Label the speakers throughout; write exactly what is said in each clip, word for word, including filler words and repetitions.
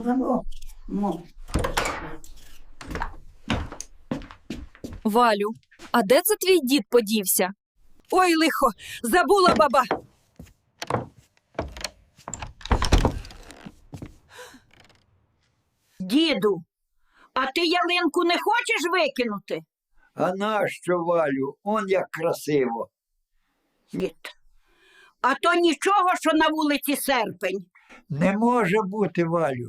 Speaker 1: Валю, а де це твій дід подівся?
Speaker 2: Ой, лихо, забула баба.
Speaker 3: Діду, а ти ялинку не хочеш викинути?
Speaker 4: А нащо, Валю? Он як красиво.
Speaker 3: Дід, а то нічого, що на вулиці серпень.
Speaker 4: Не може бути, Валю.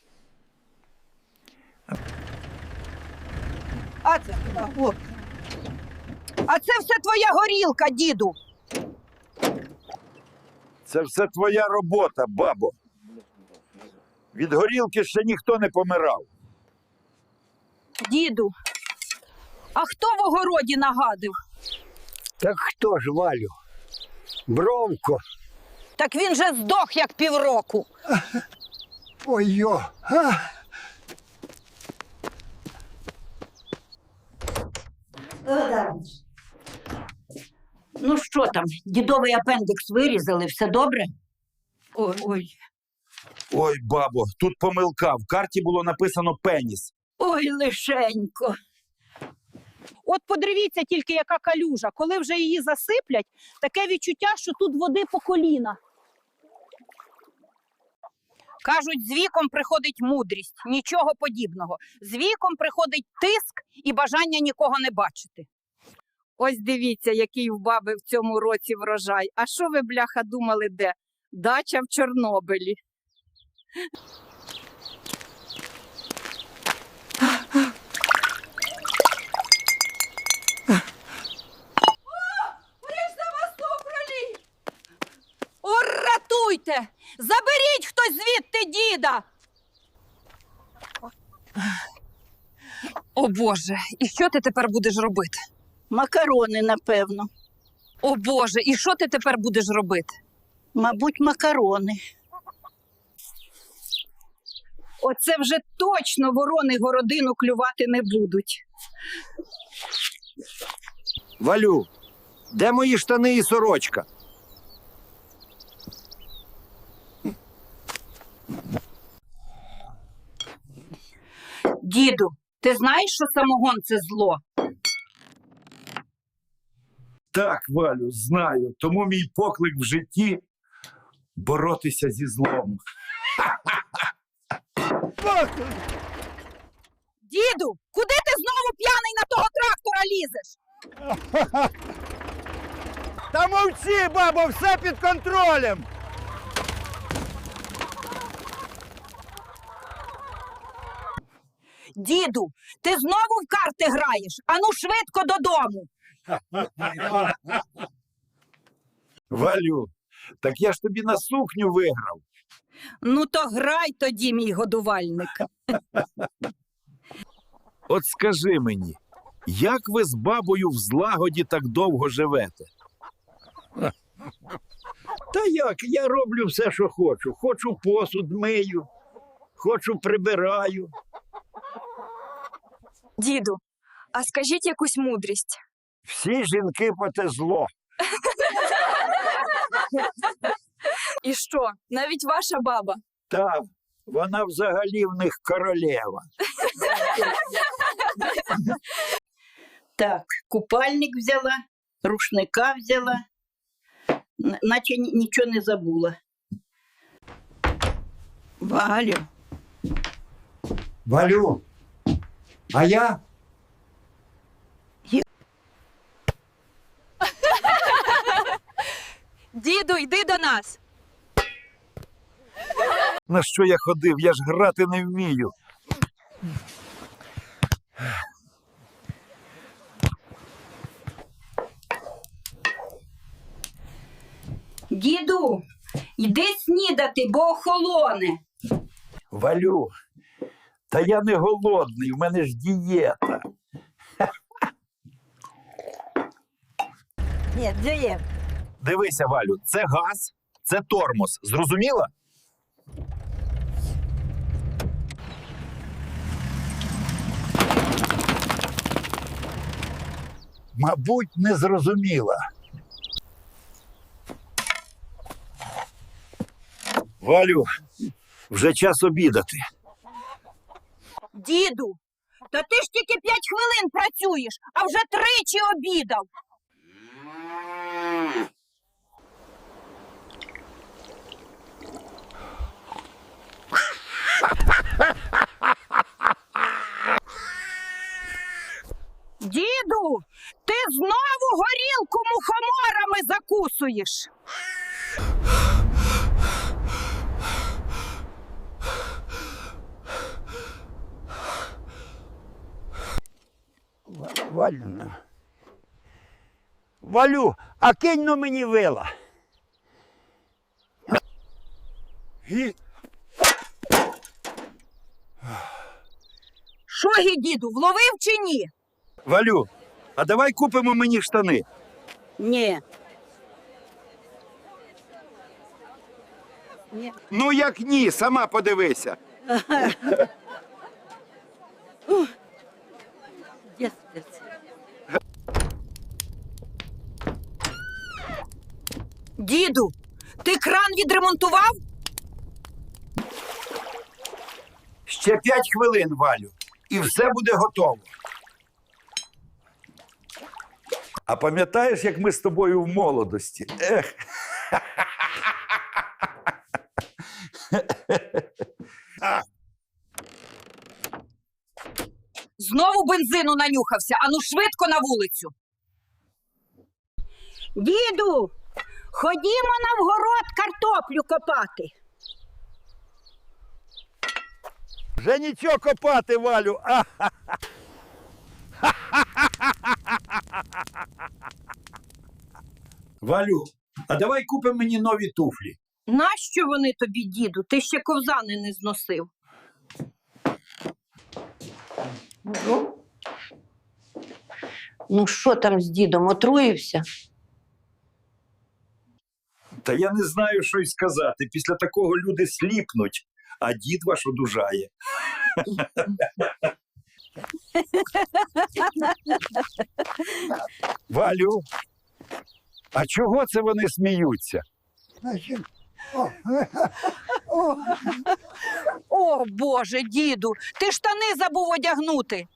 Speaker 2: А це, о. А це все твоя горілка, діду.
Speaker 5: Це все твоя робота, бабо. Від горілки ще ніхто не помирав.
Speaker 2: Діду, а хто в огороді нагадив?
Speaker 4: Так хто ж, Валю? Бровко.
Speaker 2: Так він же здох, як півроку.
Speaker 4: Ой-йо. А?
Speaker 3: Ну що там, дідовий апендикс вирізали, все добре?
Speaker 2: Ой, ой.
Speaker 5: Ой, бабо, тут помилка. В карті було написано пеніс.
Speaker 3: Ой, лишенько.
Speaker 2: От подивіться тільки, яка калюжа. Коли вже її засиплять, таке відчуття, що тут води по коліна. Кажуть, з віком приходить мудрість. Нічого подібного. З віком приходить тиск і бажання нікого не бачити. Ось дивіться, який в баби в цьому році врожай. А що ви, бляха, думали, де? Дача в Чорнобилі. О, рятуйте! Заберіть хтось звідти діда!
Speaker 1: О Боже, і що ти тепер будеш робити?
Speaker 3: Макарони, напевно.
Speaker 1: О Боже, і що ти тепер будеш робити?
Speaker 3: Мабуть, макарони.
Speaker 2: Оце вже точно ворони городину клювати не будуть.
Speaker 5: Валю, де мої штани і сорочка?
Speaker 3: Діду, ти знаєш, що самогон – це зло?
Speaker 5: Так, Валю, знаю. Тому мій поклик в житті – боротися зі злом.
Speaker 2: Діду, куди ти знову п'яний на того трактора лізеш?
Speaker 5: Та мовчи, бабо, все під контролем!
Speaker 2: Діду, ти знову в карти граєш? Ану швидко додому.
Speaker 5: Валю, так я ж тобі на сукню виграв.
Speaker 2: Ну то грай тоді, мій годувальник.
Speaker 5: От скажи мені, як ви з бабою в злагоді так довго живете?
Speaker 4: Та як, я роблю все, що хочу. Хочу посуд мию, хочу прибираю.
Speaker 1: Діду, а скажіть якусь мудрість.
Speaker 4: Всі жінки по те зло.
Speaker 1: І що, навіть ваша баба?
Speaker 4: Та, вона взагалі в них королева.
Speaker 3: Так, купальник взяла, рушника взяла, н- наче ні- нічого не забула. Валю,
Speaker 4: Валю, а я?
Speaker 1: Діду, йди до нас.
Speaker 5: На що я ходив? Я ж грати не вмію.
Speaker 3: діду, йди снідати, бо охолоне.
Speaker 5: Валю, та я не голодний, в мене ж дієта.
Speaker 2: Ні, дієт.
Speaker 5: Дивися, Валю, це газ, це тормоз. Зрозуміла?
Speaker 4: Мабуть, не зрозуміла.
Speaker 5: Валю, вже час обідати.
Speaker 2: Діду, та ти ж тільки п'ять хвилин працюєш, а вже тричі обідав. Діду, ти знову горілку мухоморами закусуєш.
Speaker 4: Валю. Валю, а кинь ну мені вила.
Speaker 5: І...
Speaker 2: Що, гі, діду, вловив чи ні?
Speaker 5: Валю, а давай купимо мені штани.
Speaker 3: Ні.
Speaker 5: Ну як ні, сама подивися.
Speaker 2: Діду, ти кран відремонтував?
Speaker 5: Ще п'ять хвилин, Валю, і все буде готово. А пам'ятаєш, як ми з тобою в молодості? Ех.
Speaker 2: Знову бензину нанюхався, ану швидко на вулицю.
Speaker 3: Діду, ходімо на вгород картоплю копати.
Speaker 4: Вже нічого копати, Валю. А,
Speaker 5: Валю, а давай купимо мені нові туфлі.
Speaker 2: Нащо вони тобі, діду? Ти ще ковзани не зносив.
Speaker 6: Ну, що там з дідом, отруївся?
Speaker 5: Та я не знаю, що й сказати. Після такого люди сліпнуть, а дід ваш одужає. Валю, а чого це вони сміються?
Speaker 2: О, Боже, діду, ти штани забув одягнути.